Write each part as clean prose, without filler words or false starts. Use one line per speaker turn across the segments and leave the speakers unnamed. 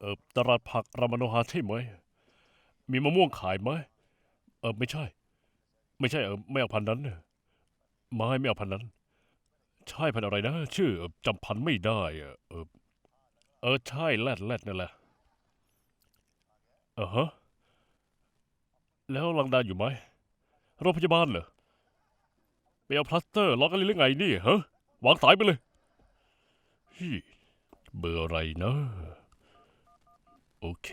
ตลาดผักรามโนฮาใช่ไหมมีมะม่วงขายไหมไม่ใช่ไม่ใช่ไม่เอาพันธุ์นั้นน่ะไม่เอาพันธุ์นั้นใช่พันธุ์อะไรนะชื่อจำพันธุ์ไม่ได้ใช่แรดนั่นแหละฮะแล้วลังดาอยู่ไหมโรงพยาบาลเหรอไปเอาพลาสเตอร์ล็อกกันเลยหรือไงนี่ฮะวางสายไปเลยฮี่เบอร์อะไรนะโอเค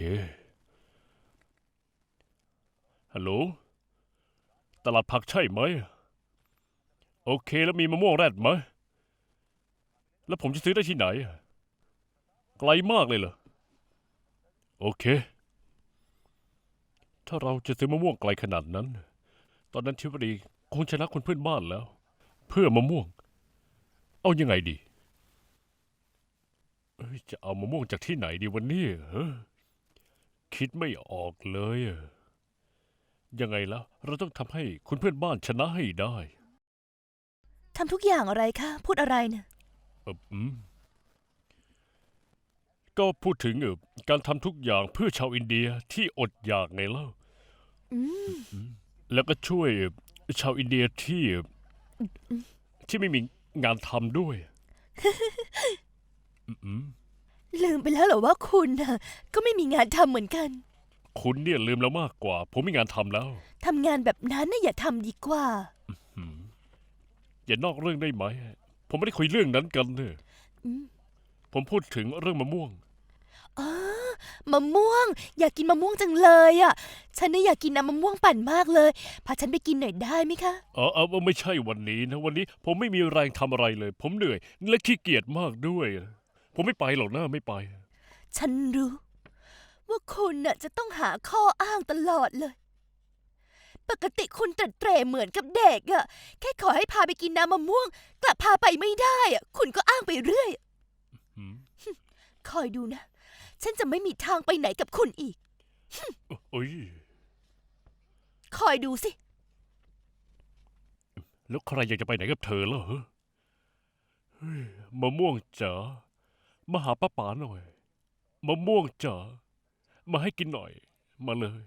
ฮัลโหลตลาดผักใช่ไหมโอเคแล้วมีมะม่วงแรดไหมแล้วผมจะซื้อได้ที่ไหนไกลมากเลยเหรอโอเคถ้าเราจะซื้อมะม่วงไกลขนาดนั้นตอนนั้นทิวดีคงชนะคนเพื่อนบ้านแล้วเพื่อมะม่วงเอายังไงดีจะเอามะม่วงจากที่ไหนดีวันนี้คิดไม่ออกเลยยังไงแล้วเราต้องทำให้คุณเพื่อนบ้านชนะให้ได้
ทำทุกอย่างอะไรคะพูดอะไรเนี่ย
ก็พูดถึงการทำทุกอย่างเพื่อชาวอินเดียที่อดอยากไงเล่าแล้วก็ช่วยชาวอินเดียที่ไม่มีงานทำด้วย
ลืมไปแล้วเหรอว่าคุณน่ะก็ไม่มีงานทำเหมือนกัน
คุณเนี่ยลืมแล้วมากกว่าผมมีงานทำแล้ว
ทำงานแบบนั้นน่ะอย่าทำดีกว่า
อย่านอกเรื่องได้ไหมผมไม่ได้คุยเรื่องนั้นกันเนี่ยผมพูดถึงเรื่องมะม่วง
อ๋อมะม่วงอยากกินมะม่วงจังเลยอ่ะฉันน่ะอยากกินน้ำมะม่วงปั่นมากเลยพาฉันไปกินหน่อยได้ไหมคะ
ไม่ใช่วันนี้นะวันนี้ผมไม่มีแรงทำอะไรเลยผมเหนื่อยและขี้เกียจมากด้วยผมไม่ไปหรอกนะไม่ไป
ฉันรู้ว่าคุณน่ะจะต้องหาข้ออ้างตลอดเลยปกติคุณเตร่เหมือนกับเด็กอะแค่ขอให้พาไปกินน้ำมะม่วงกลับพาไปไม่ได้อะคุณก็อ้างไปเรื่อยคอยดูนะฉันจะไม่มีทางไปไหนกับคุณอีก
โอ้ย
คอยดูสิ
แล้วใครอยากจะไปไหนกับเธอแล้วเหรอมะม่วงจ๋ามาหาป้าป๋าหน่อยมะม่วงจ๋ามาให้กินหน่อยมาเลย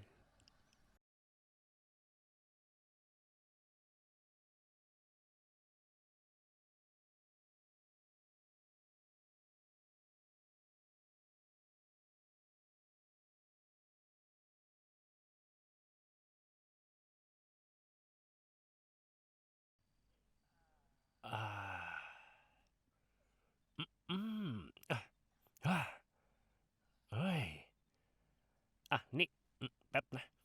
อ่าอืมอ่ะอ่ะเฮ้ยนี่แป๊บนะ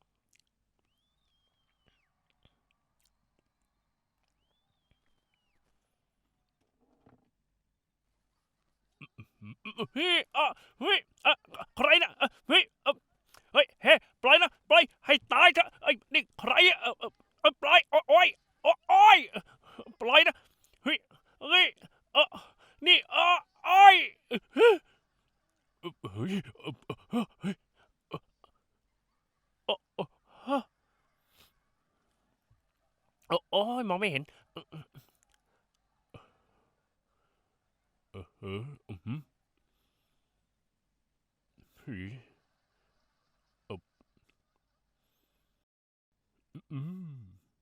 เฮ้ยเฮ้ยใครนะเฮ้ยเฮ้ยเฮ้ปล่อยนะปล่อยให้ตายเถอะไอ้นี่ใครปล่อยโอ้ยโอ้ยปล่อยนะเฮ้ยเฮ้ยนี่โอ้ยเฮ้ยเฮ้ยโอ้ยมองไม่เห็นเออเออเฮ้ยอืม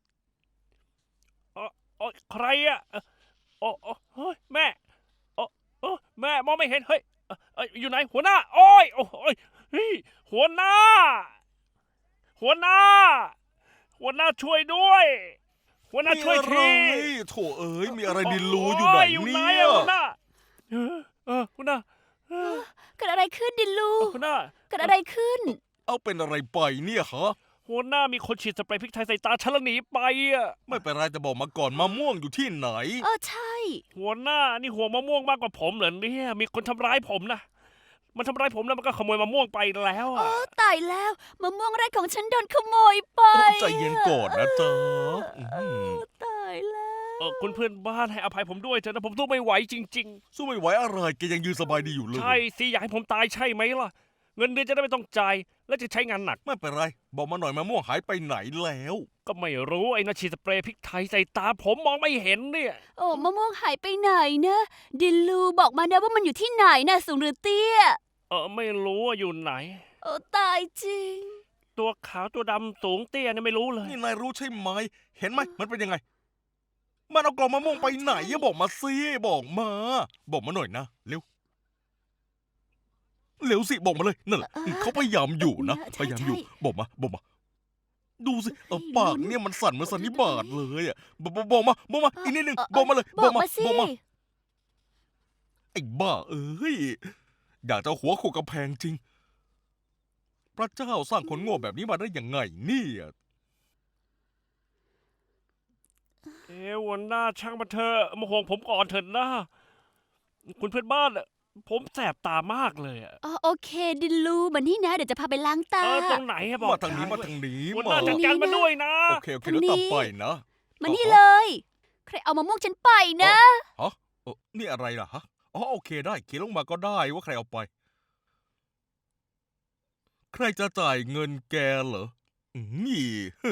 โอ้ยใครเฮ้ยแม่แม่มองไม่เห็นเฮ้ยอยู่ไหนหัวหน้าโอ้ยเฮ้ยหัวหน้าหัวหน้าหัวหน้าช่วยด้วยหัวหน้า
มี
ช่วย
อะไร
ที
โถเอ้ยมีอะไรดินรู้อยู่ไหน
อยู่ไหน
เนี่ย
หัวหน้าหัวหน้า
เกิดอะไรขึ้นดิลู
หัวหน้า
เกิดอะไรขึ้น
เอาเป็นอะไรไปเนี่ยฮะ
หัวหน้ามีคนฉีดสเปรย์พริกไทยใส่ตาฉันแล้วหนีไป
ไม่เป็นไรแต่บอกมาก่อนมะม่วงอยู่ที่ไหน
ใช่
หัวหน้านี่หัวมะม่วงมากกว่าผมเหรอเนี่ยมีคนทำร้ายผมนะมันทำร้ายผมแล้วมันก็ขโมยมะม่วงไปแล้ว
ตายแล้วมะม่วงแรกของฉันโดนขโมยไป
ใจเย็นก่อนนะจ๊ะ
ตายแล้ว
คุณเพื่อนบ้านให้อภัยผมด้วยเถอะนะผมสู้ไม่ไหวจริง
สู้ไม่ไหวอะไรแกยังยืนสบายดีอยู่เล
ๆ
ย
ใช่สิอยากให้ผมตายใช่ไหมล่ะเงินเดือนจะได้ไม่ต้องจ่ายและจะใช้งานหนัก
ไม่เป็นไรบอกมาหน่อยมะม่วงหายไปไหนแล้ว
ก็ไม่รู้ไอ้นาฉีดสเปรย์พริกไทยใส่ตาผมมองไม่เห็นเนี่ย
โอ้มะม่วงหายไปไหนนะดิลูบอกมานะว่ามันอยู่ที่ไหนนะสูงหรือเตี้ย
ไม่รู้ว่าอยู่ไหน
โอ้ตายจริง
ตัวขาวตัวดำสูงเตี้ยเนี่ยไม่รู้เลย
นี่นายรู้ใช่ไหม เห็นไหมมันเป็นยังไง มันเอากล่องมะม่วงไปไหนอะบอกมาสิบอกมา บอกมาหน่อยนะเร็วเร็วสิบอกมาเลยนั่นแหละเขาพยายามอยู่นะ
ใช่
พยายามอยู่
ใช่
บอกมา ดูสิเอา
ไม่รู้
ปากเนี่ยมันสั่นเหมือนสันนิบาตเลยอะบอกมาอีกนิดนึง
เออ
บอกมาเลย
บอกมาสิ
บอกมาไอ้บ้าเอ้ยอยากจะเอาหัวโขกกำแพงจริง พระเจ้าสร้างคนโง่แบบนี้มาได้ยังไงเนี่ย
หัวหน้าช่างมันเถอะมาห่วงผมก่อนเถอะนะคุณเพื่อนบ้านอะผมแสบตามากเลยอะ
อ๋อโอเคดิลูมานี่นะ เดี๋ยวจะพาไปล้างตา
ตรงไหนอะบอก
มาทางนี้มาทางนี้
หัวห
มา
น้าจัดการมาด้วยนะ
โอเคแล้วตามไปนะ
มานี่เลย ใครเอามะม่วงฉันไปนะ
ฮะนี่อะไรล่ะฮะอ๋อโอเคได้เขียนลงมาก็ได้ว่าใครเอาไป ใครจะจ่ายเงินแกเหรอนี่ฮึ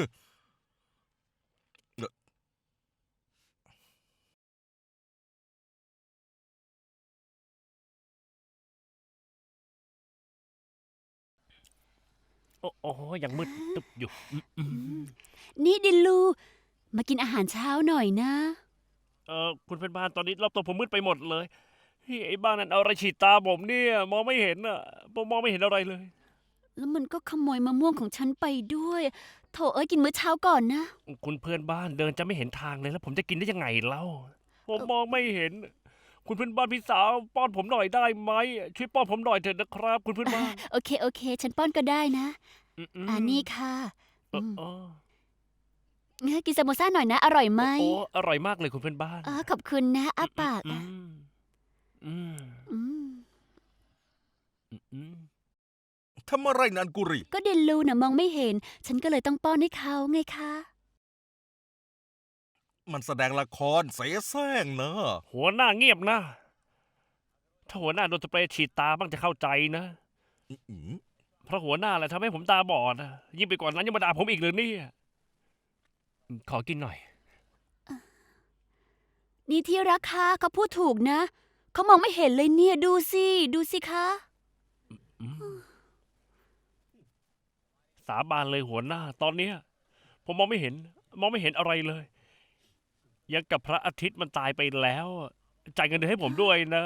โอ้ยังมืดตึบอยู่ม
นี่ดิลู มากินอาหารเช้าหน่อยนะ
คุณเพื่อนบ้านตอนนี้รอบตัวผมมืดไปหมดเลยเฮ้ยไอ้บ้านนั้นเอาอะไรฉีดตาผมเนี่ยมองไม่เห็นอะผมมองไม่เห็นอะไรเลย
แล้วมันก็ขโมยมะม่วงของฉันไปด้วย โถเอ้ยกินมื้อเช้าก่อนนะ
คุณเพื่อนบ้านเดินจะไม่เห็นทางเลยแล้วผมจะกินได้ยังไงเล่าผมมองไม่เห็น คุณเพื่อนบ้านพี่สาวป้อนผมหน่อยได้ไหมช่วยป้อนผมหน่อยเถอะนะครับ คุณเพื่อนบ้าน
โอเค ฉันป้อนก็ได้นะ
ม
อันนี้ค่ะ
เออเออ
กินสโมซ่าหน่อยนะ อร่อยไหม
โอ้อร่อยมากเลยคุณเพื่อนบ้าน
ขอบคุณนะอาปาก
อื
อ่ะ
มอืม
อืม
อืม
ทำอะไรนันกุรี
ก็เดนลูน่ะมองไม่เห็น ฉันก็เลยต้องป้อนให้เขาไงคะ
มันแสดงละครเสแสร้งนะ
หัวหน้าเงียบนะ ถ้าหัวหน้าโดนสเปรย์ฉีดตาบ้างจะเข้าใจนะ
อืม
เพราะหัวหน้าแหละทำให้ผมตาบอดนะยิ่งไปกว่านั้นยังมาด่าผมอีกเลยเนี่ยขอกินหน่อย
นี่ที่รักค่ะเขาพูดถูกนะ เขามองไม่เห็นเลยเนี่ย ดูสิคะ
สาบานเลยหัวหน้า ตอนเนี้ยผมมองไม่เห็นอะไรเลย ยังกับพระอาทิตย์มันตายไปแล้วจ่ายเงินเดือนให้ผมด้วยนะ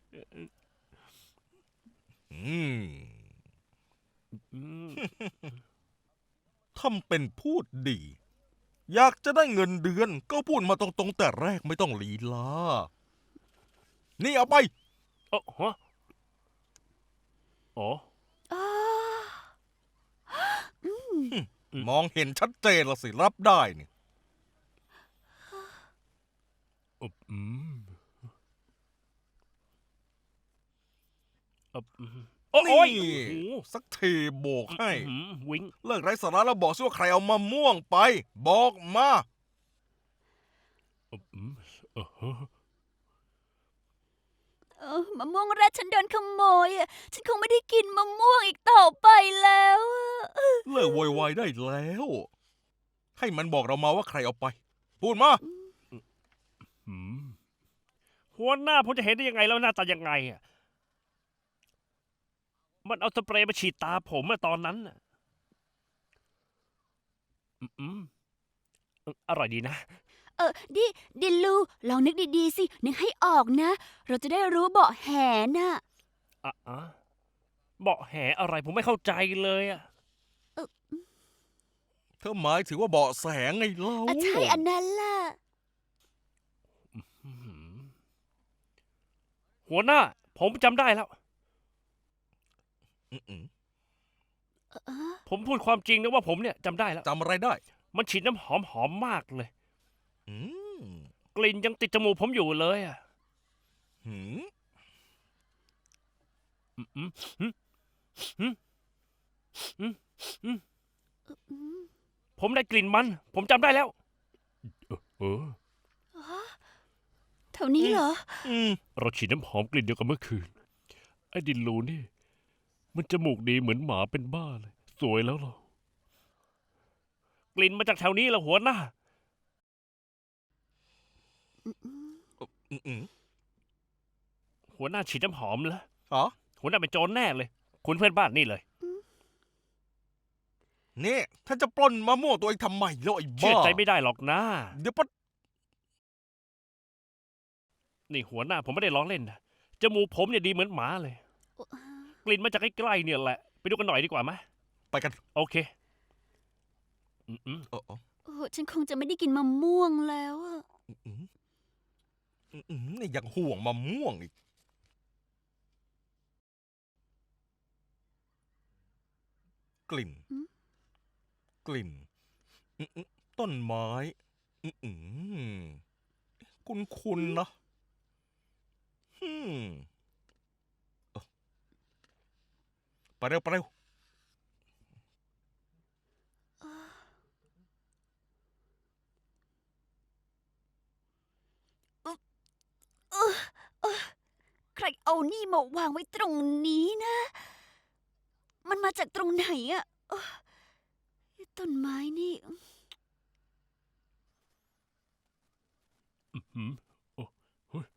อืม
อืม
ทำเป็นพูดดี อยากจะได้เงินเดือนก็พูดมาตรงๆแต่แรกไม่ต้องลีลา นี่เอาไป
ฮะอ๋อ
มองเห็นชัดเจนละสิรับได้เนี่ย
อืมโอ้ย
นี่
โอ้โห
สักทีโบกให้
วิง
เลิกไร้สาระแล้วบอกสิว่าใครเอามะม่วงไป บอกมา
มะม่วงแรกฉันโดนขโมยอ่ะ ฉันคงไม่ได้กินมะม่วงอีกต่อไปแล้วอะ
เลิกโวยวายได้แล้ว ให้มันบอกเรามาว่าใครเอาไป พูดมา
หัวหน้าผมจะเห็นได้ยังไงแล้วหน้าตายังไงอ่ะมันเอาสเปรย์มาฉีดตาผมอะตอนนั้นน่ะอร่อยดีนะ
ดิลู ลองนึกดีๆสิ นึกให้ออกนะ เราจะได้รู้เบาะแหน่ะ
เบาะแหอะไรผมไม่เข้าใจเลยอ่ะ
เธอหมายถึงว่าเบาะแสไงเล่า
ใช่อันนั้นล่ะ
หัวหน้า ผมจำได้แล้ว
อืม
ผมพูดความจริงนะว่าผมเนี่ยจำได้แล้ว
จำอะไรได้
มันฉีดน้ำหอมมากเลย
อืม
กลิ่นยังติดจมูกผมอยู่เลยอ่ะ
หืม
ผมได้กลิ่นมัน ผมจำได้แล้ว
แถวนี้เหรอ
เราฉีดน้ำหอมกลิ่นเดียวกันเมื่อคืน ไอ้ดินลูนี่ มันจมูกดีเหมือนหมาเป็นบ้าเลย สวยแล้วเหรอกลิ่นมาจากแถวนี้ละหัวหน้า
อืม
หัวหน้าฉีดน้ำหอมแล้ว
อ๋อ
หัวหน้าเป็นโจรแน่เลย คุณเพื่อนบ้านนี่เลย
นี่ถ้าจะปล้นมะม่วงตัวเองทำไมแล้วไอ้
เชื่
บ้า
อใจไม่ได้หรอกนะ
เดี๋ยวปะ
นี่หัวหน้าผมไม่ได้ล้อเล่นนะจมูกผมเนี่ยดีเหมือนหมาเลย กลิ่นมาจากใกล้ๆเนี่ยแหละ ไปดูกันหน่อยดีกว่าไหม
ไปกัน
โอเคอืม
เออ
ฉันคงจะไม่ได้กินมะม่วงแล้วอะ
นี่ยังห่วงมะม่วงอีกกลิ่น ต้นไม้คุ้นๆนะเออไปเร็ว
ใครเอานี่มาวางไว้ตรงนี้นะ มันมาจากตรงไหนอะต้นไม้นี่
อืมโอ้เฮ้ย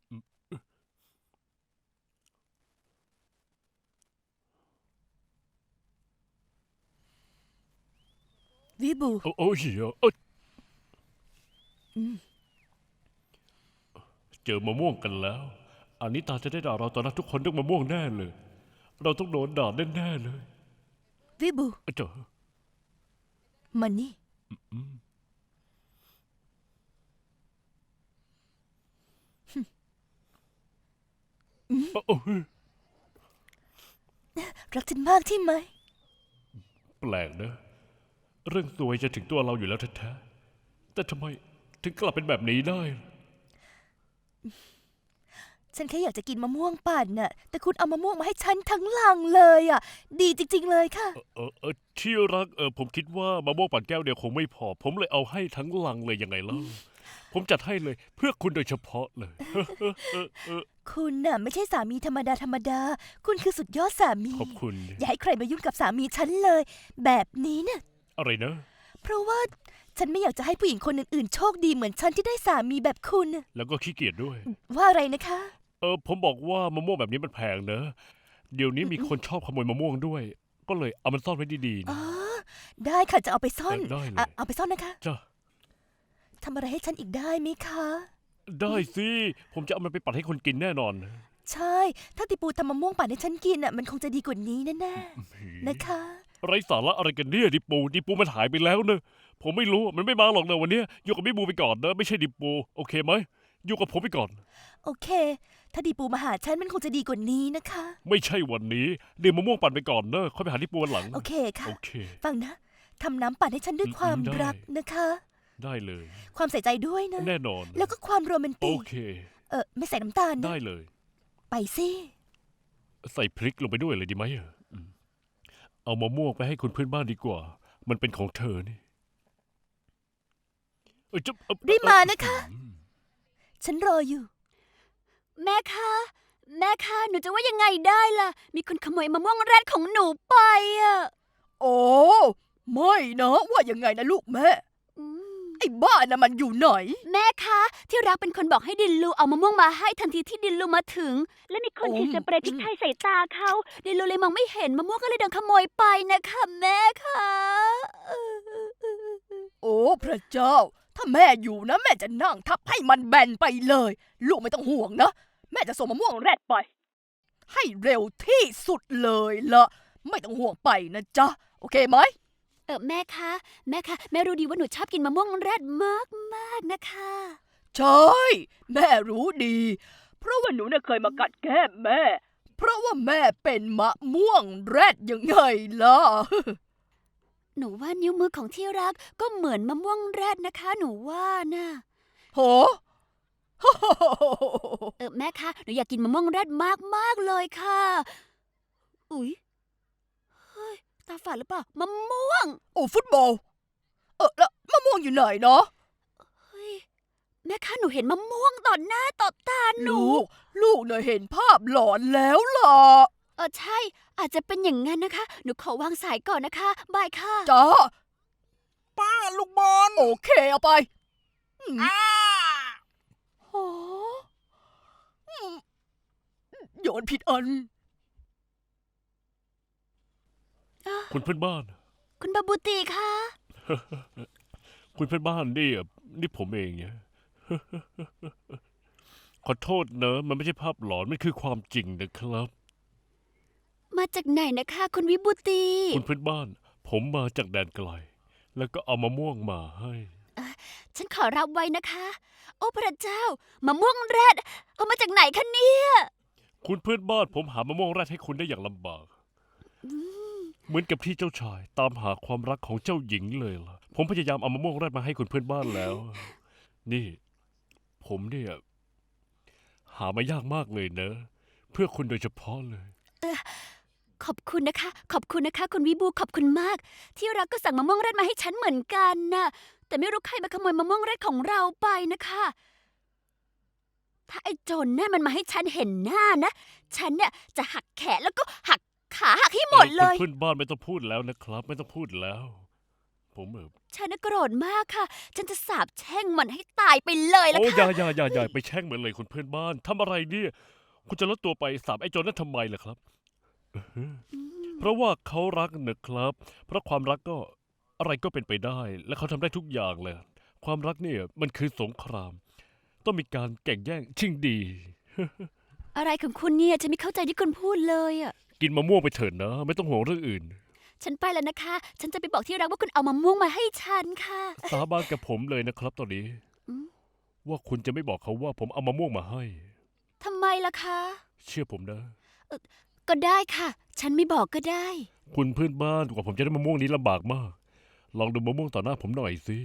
วิบู
โอ้ยเอ้ย
อืม
เจอมะม่วงกันแล้วอันนี้ตาจะได้ด่าเราตอนนั้นทุกคนต้องมะม่วงแน่เลย เราต้องโดนด่าแน่ๆเลย
วิบู
เจ้า
มันนี่
โอ้ย
รักฉันมากใช่ไหม
แปลกนะเรื่องตัวยจะถึงตัวเราอยู่แล้วแท้ๆแต่ทำไมถึงกลับเป็นแบบนี้ได้
ฉันแค่อยากจะกินมะม่วงปั่นน่ะ แต่คุณเอามะม่วงมาให้ฉันทั้งลังเลยอ่ะ ดีจริง ๆ เลยค่ะ
ที่รักผมคิดว่ามะม่วงปั่นแก้วเดียวคงไม่พอ ผมเลยเอาให้ทั้งลังเลยยังไงเล่าผมจัดให้เลยเพื่อคุณโดยเฉพาะเลย
คุณน่ะไม่ใช่สามีธรรมดา คุณคือสุดยอดสามี
ขอบคุณ
อย่าให้ใครมายุ่งกับสามีฉันเลย แบบนี้น่ะ
อะไรนะ
เพราะว่าฉันไม่อยากจะให้ผู้หญิงคนอื่นๆ โชคดีเหมือนฉันที่ได้สามีแบบคุณน่ะ
แล้วก็ขี้เกียจด้วย
ว่าอะไรนะคะ
ผมบอกว่ามะม่วงแบบนี้มันแพงเนอะเดี๋ยวนี้มีคนชอบขโมยมะม่วงด้วย ก็เลยเอามันซ่อนไว้ดีๆ
อ๋
นะ
อ ได้ค่ะจะเอาไปซ่อน
ได้เลย
เอาไปซ่อนนะคะ
จ้า
ทำอะไรให้ฉันอีกได้ไหมคะ
ได้สิผมจะเอามันไปปั่นให้คนกินแน่นอน
ใช่ ถ้าติปูทำมะม่วงปั่นให้ฉันกินน่ะมันคงจะดีกว่านี้แน่ๆนะคะ
ไรสาระอะไรกันเนี่ยดิปูมันหายไปแล้วเนอะผมไม่รู้มันไม่มาหรอกนะวันนี้อยู่กับพี่บูไปก่อนนะไม่ใช่ดิปูโอเคไหมอยู่กับผมไปก่อน
โอเค ถ้าดีปูมาหาฉันมันคงจะดีกว่านี้นะคะ
ไม่ใช่วันนี้เดี๋ยวมะม่วงปั่นไปก่อนเนอะค่อยไปหาดิปูวันหลัง
โอเคค่ะ
โอเค
ฟังนะทำน้ำปั่นให้ฉันด้วยความ
ได้
รักนะคะ
ได้เลย
ความใส่ใจด้วยนะ
แน่นอน
แล้วก็ความโรแมน
โอ
ติก
เค
ไม่ใส่น้ำตาลนะ
ได้เลย
ไปสิ
ใส่พริกลงไปด้วยเลยดีไหมเอามะม่วงไปให้คุณเพื่อนบ้านดีกว่า มันเป็นของเธอนี่จะ
รีบมานะคะ ฉันรออยู่
แม่คะหนูจะว่ายังไงได้ล่ะ มีคนขโมยมะม่วงแรดของหนูไปอะ
โอ้ไม่นะว่ายังไงนะลูกแม่
อืม
ไอ้บ้านะมันอยู่ไหน
แม่คะที่รักเป็นคนบอกให้ดินลูเอามะม่วงมาให้ทันทีที่ดินลูมาถึง และมีคนฉีดสเปรย์พริกไทยใส่ตาเขาดินลูเลยมองไม่เห็นมะม่วงก็เลยโดนขโมยไปนะคะแม่คะ
โอ้พระเจ้า ถ้าแม่อยู่นะ แม่จะนั่งทับให้มันแบนไปเลย ลูกไม่ต้องห่วงนะ แม่จะส่งมะม่วงแรดไป ให้เร็วที่สุดเลยละไม่ต้องห่วงไปนะจ๊ะ โอเคไหม
แม่คะแม่รู้ดีว่าหนูชอบกินมะม่วงแรดมากนะคะ
ใช่ แม่รู้ดี เพราะว่าหนูน่ะเคยมากัดแก้มแม่ เพราะว่าแม่เป็นมะม่วงแรดยังไงล่ะ
หนูว่านิ้วมือของที่รักก็เหมือนมะม่วงแรดนะคะ หนูว่านะ
โห
แม่คะหนูอยากกินมะม่วงแรดมากเลยค่ะอุ๊ยเฮ้ยตาฝาดหรือเปล่ามะม่วง
โอ้ฟุตบอล แล้วมะม่วงอยู่ไหนเนาะ
เฮ้ยแม่คะหนูเห็นมะม่วงต่อหน้าต่อตาหนู
ลูกเนี่ยเห็นภาพหลอนแล้วล่ะ
ใช่อาจจะเป็นอย่างนั้นนะคะ หนูขอวางสายก่อนนะคะบายค่ะ
จ้า
ป้าลูกบอล
โอเคเอาไปโหโยนผิดอัน
คุณเพื่อนบ้าน
คุณบาบูตีคะ
คุณเพื่อนบ้านนี่ผมเองเนี่ย ขอโทษเนอะมันไม่ใช่ภาพหลอนมันคือความจริงนะครับ
มาจากไหนนะคะ คุณวิบูตี
คุณเพื่อนบ้าน ผมมาจากแดนไกล แล้วก็เอามะม่วงมาให้
ฉันขอรับไว้นะคะ โอ้พระเจ้ามะม่วงแรดเอามาจากไหนคะเนี่ย
คุณเพื่อนบ้านผมหามะม่วงแรดให้คุณได้อย่างลำบาก เหมือนกับที่เจ้าชายตามหาความรักของเจ้าหญิงเลยล่ะ ผมพยายามเอามะม่วงแรดมาให้คุณเพื่อนบ้านแล้ว นี่ ผมเนี่ยหามายากมากเลยเนอะ เพื่อคุณโดยเฉพาะเลย
ขอบคุณนะคะ ขอบคุณนะคะ คุณวิบูขอบคุณมาก ที่รักก็สั่งมะม่วงแรดมาให้ฉันเหมือนกันน่ะ แต่ไม่รู้ใครมาขโมยมะม่วงแรดของเราไปนะคะ ถ้าไอ้โจรนั่นมันมาให้ฉันเห็นหน้านะ ฉันเนี่ยจะหักแขนแล้วก็หักขาหักให้หมดเลย
คุณเพื่อนบ้านไม่ต้องพูดแล้วนะครับ ไม่ต้องพูดแล้ว ผม
ฉันน่ะโกรธมากค่ะ ฉันจะสาปแช่งมันให้ตายไปเลยละ
โอ้
ค่ะ
อย่าไปแช่งมันเลยคุณเพื่อนบ้านทำอะไรเนี่ยคุณจะลดตัวไปสาบไอ้โจรนั่นทำไมล่ะครับเพราะว่าเขารักนะครับ เพราะความรักก็อะไรก็เป็นไปได้ และเขาทำได้ทุกอย่างเลย ความรักเนี่ยมันคือสงคราม ต้องมีการแข่งแย่งชิงดี
อะไรของคุณเนี่ยฉันไม่เข้าใจที่คุณพูดเลยอ่ะ
กินมะม่วงไปเถิดนะ ไม่ต้องห่วงเรื่องอื่น
ฉันไปแล้วนะคะ ฉันจะไปบอกที่รักว่าคุณเอามะม่วงมาให้ฉันค่ะ
สาบานกับผมเลยนะครับ ตอนนี้
อืม
ว่าคุณจะไม่บอกเขาว่าผมเอามะม่วงมาให้
ทำไมล่ะคะ
เชื่อผมนะ
ก็ได้ค่ะ ฉันไม่บอกก็ได้
คุณเพื่อนบ้านกว่าผมจะได้มะม่วงนี้ลำบากมาก ลองดูมะม่วงต่อหน้าผมหน่อยสิ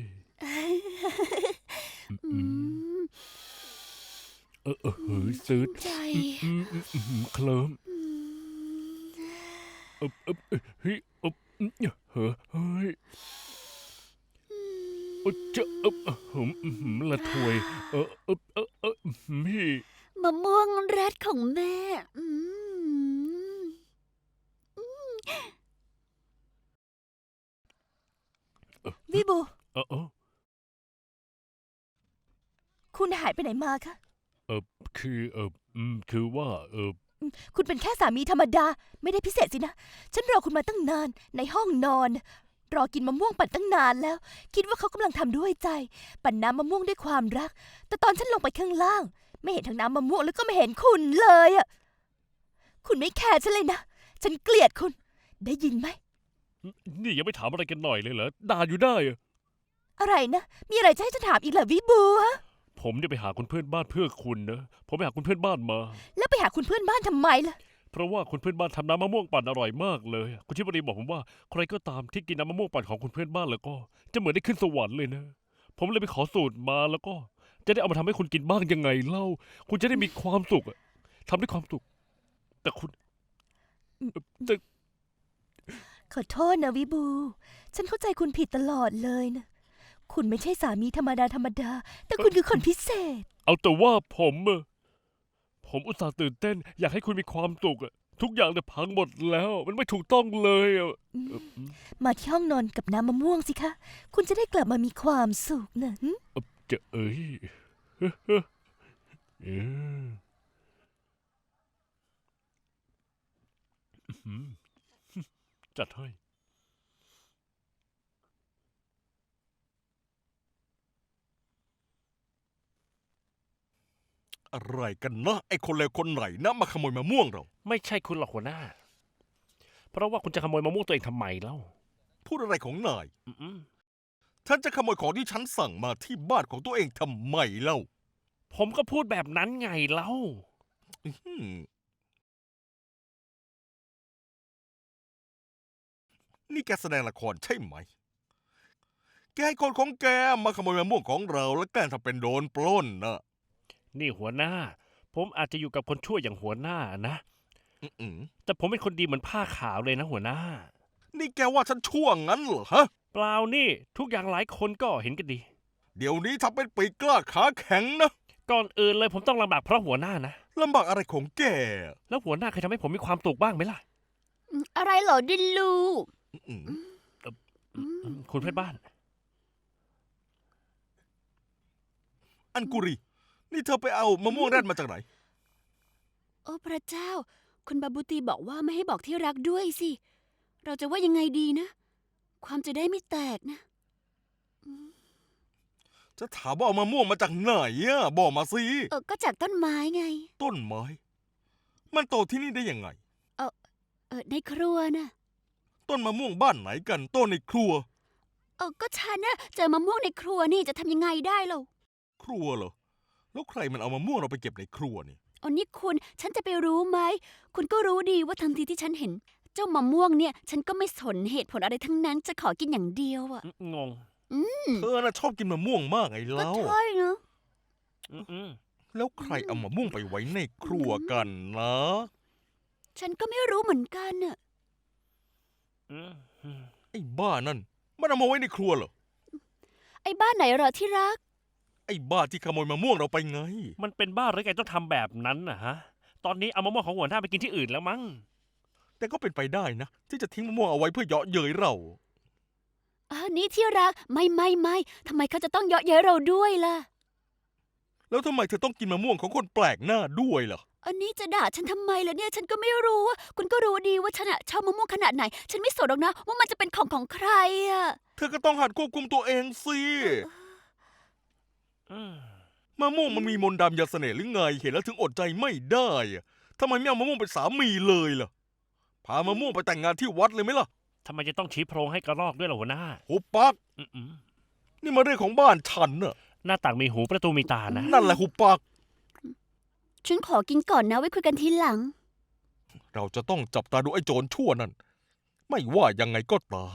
อืม
ซื้อ
ใจ
เคลิ้ม
อืม
เฮ้ยเฮ้ยจะละถวยพี่
มะม่วงแรดของแม่อืม
วิบู คุณหายไปไหนมาคะ
คือว่า
คุณเป็นแค่สามีธรรมดา ไม่ได้พิเศษสินะ ฉันรอคุณมาตั้งนานในห้องนอน รอกินมะม่วงปั่นตั้งนานแล้ว คิดว่าเขากำลังทำด้วยใจ ปั่นน้ำมะม่วงด้วยความรัก แต่ตอนฉันลงไปข้างล่าง ไม่เห็นทั้งน้ำมะม่วงแล้วก็ไม่เห็นคุณเลยอะคุณไม่แคร์ฉันเลยนะ ฉันเกลียดคุณ ได้ยินไหม
นี่ยังไม่ถามอะไรกันหน่อยเลยเหรอด่าอยู่ได้
อะไรนะ มีอะไรจะให้ฉันถามอีกเหรอวิบูฮะ
ผมเนี่ยไปหาคุณเพื่อนบ้านเพื่อคุณนะผมไปหาคุณเพื่อนบ้านมา
แล้วไปหาคุณเพื่อนบ้านทำไมล่ะ
เพราะว่าคุณเพื่อนบ้านทำน้ำมะม่วงปั่นอร่อยมากเลยคุณชิบดีบอกผมว่าใครก็ตามที่กินน้ำมะม่วงปั่นของคุณเพื่อนบ้านแล้วก็ จะเหมือนได้ขึ้นสวรรค์เลยนะ ผมเลยไปขอสูตรมาแล้วก็ จะได้เอามาทำให้คุณกินบ้างยังไงเล่า คุณจะได้มีความสุขอะทำด้วยความสุข แต่คุณแต่
ขอโทษนะวิบู ฉันเข้าใจคุณผิดตลอดเลยนะ คุณไม่ใช่สามีธรรมดา แต่คุณคือคนพิเศษ
เอาแต่ว่าผมอุตส่าห์ตื่นเต้น อยากให้คุณมีความสุขอะทุกอย่างเนี่ยพังหมดแล้ว มันไม่ถูกต้องเลยอะ
มาที่ห้องนอนกับน้ำมะม่วงสิคะ คุณจะได้กลับมามีความสุขนะหึ
จะเอ้ยเออจัดให้
อะไรกันนะไอ้คนเลวคนไหนนะมาขโมยมะม่วงเรา
ไม่ใช่คุณหรอกหัวหน้า เพราะว่าคุณจะขโมยมะม่วงตัวเองทำไมเล่า
พูดอะไรของนาย
อืม
ท่านจะขโมยของที่ฉันสั่งมาที่บ้านของตัวเองทำไมเล่า
ผมก็พูดแบบนั้นไงเล่า
อื้อหือนี่แกแสดงละครใช่ไหม แกให้คนของแกมาขโมยมะม่วงของเราแล้วแกล้งทำเป็นโดนปล้นนะ
นี่หัวหน้า ผมอาจจะอยู่กับคนชั่วอย่างหัวหน้านะ
อือ
แต่ผมเป็นคนดีเหมือนผ้าขาวเลยนะหัวหน้า
นี่แกว่าฉันชั่วงั้นเหรอฮะ
เปล่านี่ทุกอย่างหลายคนก็เห็นกันดี
เดี๋ยวนี้ทำเป็นปีกกล้าขาแข็งนะ
ก่อนอื่นเลยผมต้องลำบากเพราะหัวหน้านะ
ลำบากอะไรของแก
แล้วหัวหน้าเคยทำให้ผมมีความสุขบ้างไหมล่ะ
อะไรเหรอดินลู
อือ
คุณเพื่อนบ้าน
อันกุรี นี่เธอไปเอามะม่วงแรดมาจากไหน
โอ้พระเจ้า คุณบาบูตีบอกว่าไม่ให้บอกที่รักด้วยสิเราจะว่ายังไงดีนะ ความจะได้ไม่แตกนะ
จะถามว่าเอามะม่วงมาจากไหนอะบอกมาสิ
ก็จากต้นไม้ไง
ต้นไม้ มันโตที่นี่ได้ยังไง
ในครัวนะ
ต้นมะม่วงบ้านไหนกันต้นในครัว
ก็ฉันนะเจอมะม่วงในครัวนี่จะทำยังไงได้เล่า
ครัวเหรอ แล้วใครมันเอามะม่วงเราไปเก็บในครัวนี่
นี่คุณฉันจะไปรู้ไหม คุณก็รู้ดีว่าทันทีที่ฉันเห็น เจ้ามะม่วงเนี่ย ฉันก็ไม่สนเหตุผลอะไรทั้งนั้น จะขอกินอย่างเดียวอะ
งง
เธอน่ะชอบกินมะม่วงมากไง
ก็
เล่า
ใช่นะ
อืม
แล้วใครเอามะม่วงไปไว้ในครัวกันนะ
ฉันก็ไม่รู้เหมือนกันน่ะ
อืมอืม
ไอ้บ้านั่น มันเอามาไว้ในครัวเหรอ
ไอ้บ้านไหนเหรอที่รัก
ไอ้บ้าที่ขโมยมะม่วงเราไปไง
มันเป็นบ้าหรือไงต้องทำแบบนั้นนะฮะ ตอนนี้เอามะม่วงของหัวหน้าไปกินที่อื่นแล้วมั้ง
แต่ก็เป็นไปได้นะ ที่จะทิ้งมะม่วงเอาไว้เพื่อเยาะเย้ยเรา
นี่ที่รัก ไม่ทำไมเขาจะต้องเยาะเย้ยเราด้วยล่ะ
แล้วทำไมเธอต้องกินมะม่วงของคนแปลกหน้าด้วยล่ะ
อันนี้จะด่าฉันทำไมล่ะเนี่ย ฉันก็ไม่รู้อะคุณก็รู้ดีว่าฉันอะชอบมะม่วงขนาดไหน ฉันไม่สนหรอกนะ ว่ามันจะเป็นของใครอะ
เธอก็ต้องหัดควบคุมตัวเองสิ
อืม
มะม่วงมันมีมนต์ดำยาเสน่ห์หรือไง เห็นแล้วถึงอดใจไม่ได้อะทำไมไม่เอามะม่วงเป็นสามีเลยล่ะ พามะม่วงไปแต่งงานที่วัดเลยไหมล่ะ
ทำไมจะต้องชี้โพรงให้กระรอกด้วยล่ะหัวหน้า
หุบปัก
อืม
นี่มาเรื่องของบ้านฉันน่ะ
หน้าต่างมีหูประตูมีตานะ
นั่นแหละหุบปัก
ฉันขอกินก่อนนะไว้คุยกันทีหลัง
เราจะต้องจับตาดูไอ้โจรชั่วนั่น ไม่ว่ายังไงก็ตาม